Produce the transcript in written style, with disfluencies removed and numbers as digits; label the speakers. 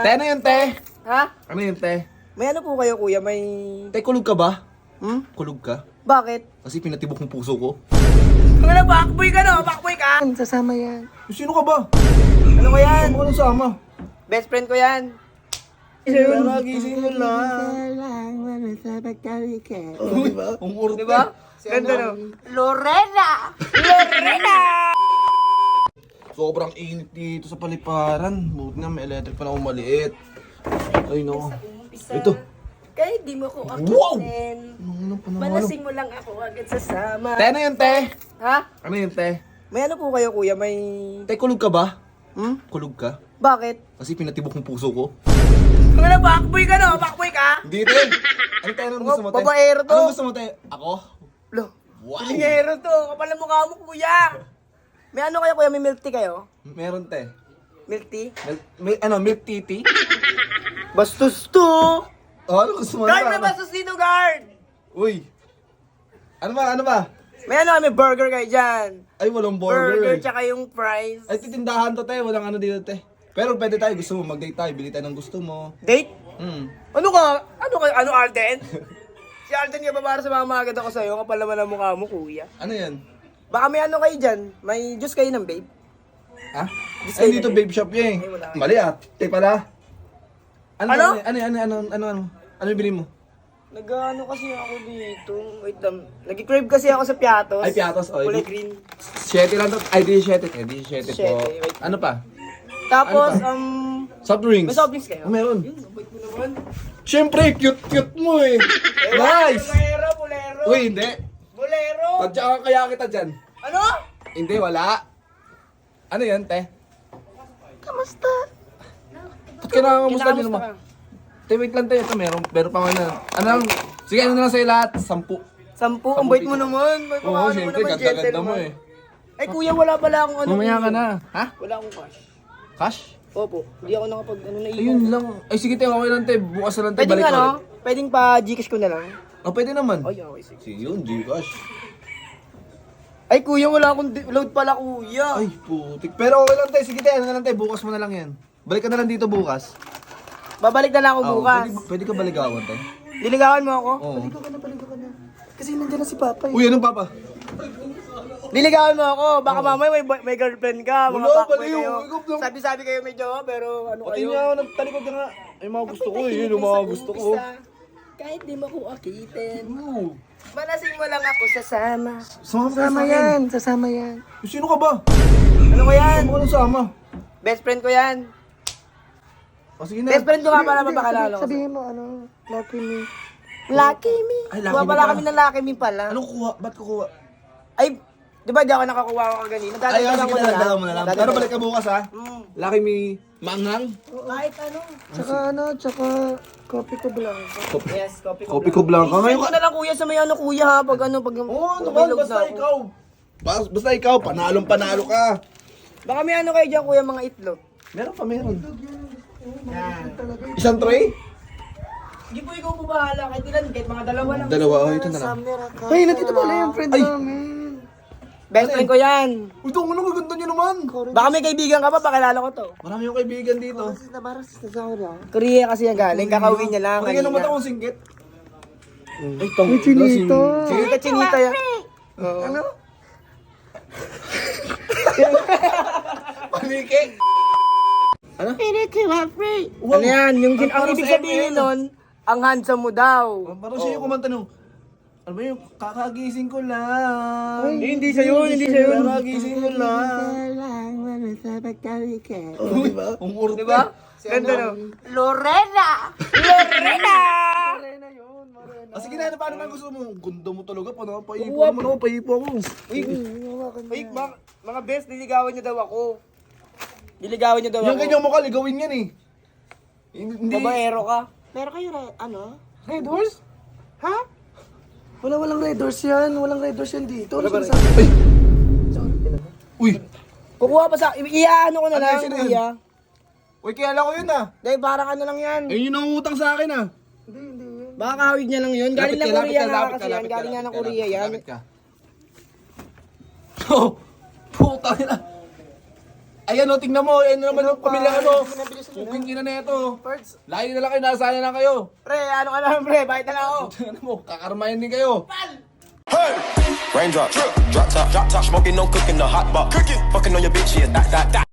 Speaker 1: Te, ano yun, te?
Speaker 2: Ha?
Speaker 1: Ano yun, te?
Speaker 2: May ano po kayo, kuya? May...
Speaker 1: Te, kulog ka ba?
Speaker 2: Hmm?
Speaker 1: Kulog ka?
Speaker 2: Bakit?
Speaker 1: Kasi pinatibok ng puso ko.
Speaker 2: Ano, backboy ka no? Backboy ka?
Speaker 3: Sasama yan.
Speaker 1: Sino ka ba?
Speaker 2: Ano ko yan?
Speaker 1: Ano ka nang sama?
Speaker 2: Best friend ko yan.
Speaker 1: Nagising mo lang. Oh, diba? Ang urte.
Speaker 2: Diba? Ganda no? Lorena! Lorena!
Speaker 1: Sobrang init dito sa paliparan. Buti na may electric pa na maliit. Ay, no. Ito.
Speaker 2: Kahit di mo ko
Speaker 1: Wow!
Speaker 2: akitin.
Speaker 1: Ano pa naman?
Speaker 2: Malasing mo lang ako agad sasama.
Speaker 1: Te, ano yun, te?
Speaker 2: Ha?
Speaker 1: Ano yun, te?
Speaker 2: May ano po kayo, kuya? May...
Speaker 1: Te, kulog ka ba?
Speaker 2: Hmm?
Speaker 1: Kulog ka?
Speaker 2: Bakit?
Speaker 1: Kasi pinatibok ng puso ko.
Speaker 2: Ano, backboy ka no? Backboy ka?
Speaker 1: Hindi, te. Ano, te? Anong gusto mo, te?
Speaker 2: Babaero to.
Speaker 1: Anong gusto mo, te? Ako?
Speaker 2: Lo.
Speaker 1: Wow!
Speaker 2: Pilingero to. Kapal na mukha mo, kuya. May ano kayo, kuya? May milk tea kayo?
Speaker 1: Meron, te.
Speaker 2: Milk tea?
Speaker 1: Milk titi?
Speaker 2: Bastos to.
Speaker 1: Oh, ano gusto mo?
Speaker 2: Guard,
Speaker 1: Ano
Speaker 2: may
Speaker 1: ba?
Speaker 2: bastos dito, guard.
Speaker 1: Uy! Ano ba? Ano ba?
Speaker 2: May ano, may burger kayo dyan.
Speaker 1: Ay, walang burger.
Speaker 2: Burger,
Speaker 1: eh.
Speaker 2: tsaka yung fries.
Speaker 1: Ay, titindahan to, te. Walang ano dito, te. Pero pwede tayo. Gusto mo, mag-date tayo. Bili tayo ng gusto mo.
Speaker 2: Date?
Speaker 1: Hmm.
Speaker 2: Ano ka? Ano Alden? Si Alden nga ba para sa mga agad ako sa'yo? Kapal naman ang mukha mo, kuya.
Speaker 1: Ano yan?
Speaker 2: Baka may ano kayo dyan? May juice kayo ng babe?
Speaker 1: Ha?
Speaker 2: Gusto
Speaker 1: Ay,
Speaker 2: yun,
Speaker 1: dito
Speaker 2: eh.
Speaker 1: babe shop niya eh.
Speaker 2: Ay, wala.
Speaker 1: Mali ah. Te pala.
Speaker 2: Ano?
Speaker 1: Ano yung bili mo?
Speaker 2: Nag-ano kasi ako dito. Wait lang. Nag-crave kasi ako sa Piatos.
Speaker 1: Ay, Piatos, oh,
Speaker 2: Kulay
Speaker 1: di-
Speaker 2: green.
Speaker 1: 7 lang to. Ay, di 7. Eh, di 7 po.
Speaker 2: Siyete, wait.
Speaker 1: Ano pa?
Speaker 2: Tapos,
Speaker 1: Ano Soft drinks.
Speaker 2: may soft drinks kayo?
Speaker 1: Oh, meron.
Speaker 2: Yun, abay mo naman.
Speaker 1: Siyempre, cute mo eh. Nice!
Speaker 2: Bolero.
Speaker 1: Uy, hindi.
Speaker 2: Bolero.
Speaker 1: Tadya ka kaya kita dyan.
Speaker 2: Ano?
Speaker 1: Hindi, wala. Ano yan, te?
Speaker 2: Kamusta?
Speaker 1: Ba't ka nakakamusta din mo?
Speaker 2: ka?
Speaker 1: Te, wait lang tayo. Ito, meron pa nga na. Ano lang? Sige, ano na lang sa'yo lahat? 10.
Speaker 2: 10. Ang bait mo naman. May
Speaker 1: Oo,
Speaker 2: paano
Speaker 1: siyempre,
Speaker 2: mo naman,
Speaker 1: ganda-ganda mo
Speaker 2: gentleman.
Speaker 1: eh.
Speaker 2: Ay, kuya, wala pala akong ano.
Speaker 1: Mamaya ka
Speaker 2: kuya.
Speaker 1: na. Ha?
Speaker 2: Wala akong cash.
Speaker 1: Cash?
Speaker 2: Opo. Hindi ako nakapag na
Speaker 1: Ayun lang. Ay, sige, te. Okay lang, te. Bukas na lang, te.
Speaker 2: Pwedeng
Speaker 1: Balik
Speaker 2: ano?
Speaker 1: ulit.
Speaker 2: Pwedeng pa Gcash ko na lang.
Speaker 1: Oh, pwede naman.
Speaker 2: Ay, okay, sige.
Speaker 1: Sige yun, Gcash.
Speaker 2: Ay, kuya, wala akong load pala, kuya.
Speaker 1: Ay, putik. Pero okay lang, te. Sige, te. Ano na lang, te. Bukas mo na lang yan. Balik ka na lang dito bukas.
Speaker 2: Babalik na lang ako
Speaker 1: Oo,
Speaker 2: bukas.
Speaker 1: Pwede ka baligawan, te.
Speaker 2: Diligawan mo ako?
Speaker 1: Oo.
Speaker 3: Baligo ka na. Kasi nandiyan na si Papa eh.
Speaker 1: Uy, anong papa?
Speaker 2: Diligawan mo ako. Baka mamaya may girlfriend ka. Mga
Speaker 1: Wala,
Speaker 2: fuckboy
Speaker 1: baliw.
Speaker 2: kayo.
Speaker 1: Ikaw lang.
Speaker 2: Sabi-sabi kayo may jowa, pero ano
Speaker 1: Pati
Speaker 2: kayo?
Speaker 1: nga ako nagtalikod ka nga. Ay, mga gusto ko eh. Yun yung mga gusto ko.
Speaker 2: Kahit di mo ko akitin.
Speaker 1: Oo.
Speaker 2: Malasing mo lang ako sasama.
Speaker 3: Sasama yan. Sasama yan.
Speaker 1: Sino ka ba?
Speaker 2: Ano ko yan?
Speaker 1: Ano ka nang sama?
Speaker 2: Best friend ko yan.
Speaker 1: O sige na.
Speaker 2: Best friend ko nga pala mapakilala ko.
Speaker 3: Sabihin mo ano, lucky me.
Speaker 2: Lucky me.
Speaker 1: Ay, Lucky
Speaker 2: Kuha
Speaker 1: Me
Speaker 2: pala
Speaker 1: ka.
Speaker 2: kami ng Lucky me pala.
Speaker 1: Anong kuha? Ba't kukuha?
Speaker 2: Ay, di ba di ako nakakuha ko kanina?
Speaker 1: Ay,
Speaker 2: Dadagdagan
Speaker 1: sige
Speaker 2: ko
Speaker 1: na, dalawa mo na lang.
Speaker 2: Dadagdagan.
Speaker 1: Pero balik ka bukas ha.
Speaker 2: Mm.
Speaker 1: Laki may mangang.
Speaker 2: Kahit ano.
Speaker 3: Tsaka kopi ko blanco.
Speaker 2: Yes, copy ko.
Speaker 1: Kopi ko blanca.
Speaker 2: Ngayon
Speaker 1: Ngayon
Speaker 2: ko
Speaker 1: ka.
Speaker 2: na lang kuya sa may ano kuya ha. Pag ano, pag
Speaker 1: Oo,
Speaker 2: pag
Speaker 1: naman.
Speaker 2: may load
Speaker 1: Basta
Speaker 2: na ako.
Speaker 1: ikaw. Basta ikaw. Panalong-panalo ka.
Speaker 2: Baka may ano kayo dyan kuya mga itlog.
Speaker 1: Meron pa, meron.
Speaker 2: Yan.
Speaker 1: Isang tray?
Speaker 2: Hindi po ikaw po bahala. Kahit ilan, kahit mga dalawa lang.
Speaker 1: Dalawa. Oh, ito na lang.
Speaker 3: Ay, nandito pala yung friend
Speaker 1: Ay.
Speaker 3: namin.
Speaker 2: Best friend ko yan.
Speaker 1: Uy, ito ano kaganda nyo naman.
Speaker 2: Baka may kaibigan ka pa, pakilala ko to.
Speaker 1: Marami yung kaibigan dito.
Speaker 3: Nabaras na sa akin.
Speaker 2: Korea kasi yan galing, kakauwi niya lang
Speaker 1: Pakinggan naman
Speaker 2: kanina.
Speaker 1: akong singgit. Ay, tong.
Speaker 3: Uy, chinito.
Speaker 2: Chinita, chinita yan.
Speaker 3: Ano?
Speaker 1: Paniki. Ano?
Speaker 2: Ano yan? Yung ang
Speaker 1: Parang
Speaker 2: ibig
Speaker 1: sa
Speaker 2: sabihin
Speaker 1: ML.
Speaker 2: nun, ang handsome mo daw.
Speaker 1: Parang siya yung kumanta nung, ano ba yung kakagising ko lang.
Speaker 2: Hindi siya yun, hindi siya yun.
Speaker 1: Kakagising ko lang. Oh, diba? Ang urte.
Speaker 2: Diba? Ganda no? Lorena! Lorena!
Speaker 1: Ah, sige na, paano na gusto mo? Ang ganda mo talaga, paano paipo
Speaker 2: Uwap.
Speaker 1: naman ako, paipo ako.
Speaker 2: Uy, mga best, diligawan niyo daw ako. Diligawan niyo daw
Speaker 1: Yung
Speaker 2: ako.
Speaker 1: kanyang mukha, ligawin yan eh. Hindi.
Speaker 2: Babaero ka.
Speaker 3: Meron kayo ano? Red Horse? Ha? Walang Red Horse yan. Walang Red Horse yan dito. Ano
Speaker 2: Wala ba
Speaker 3: sinasabi?
Speaker 1: Uy!
Speaker 2: Kukuha pa sa, iyaano ko na
Speaker 1: Ano
Speaker 2: lang,
Speaker 1: yun, sino yun?
Speaker 2: kuya.
Speaker 1: Uy, kilala ko yun ah.
Speaker 2: Dahil parang ano lang yan.
Speaker 1: Eh, yun ang utang sa akin ah.
Speaker 2: Baka kahawig niya lang yun. Galing lang Korea nga kasi yan. Galing nga ng Korea yan.
Speaker 1: Lapit ka. Oh, puta na. Ayan o, tingnan mo. Ayan naman yung pamilya ano.
Speaker 3: Pinabilis mo na.
Speaker 1: Yung ina na ito.
Speaker 3: Parts.
Speaker 1: Layo na lang kayo, nasaya na kayo.
Speaker 2: Pre, ano ka naman pre? Bakit na lang ako?
Speaker 1: Ano mo, kakarmahin din kayo.
Speaker 4: Hey! Raindrop, drop top, smoking, no cooking, the hot box. Cooking, fucking on your bitch, yeah, that.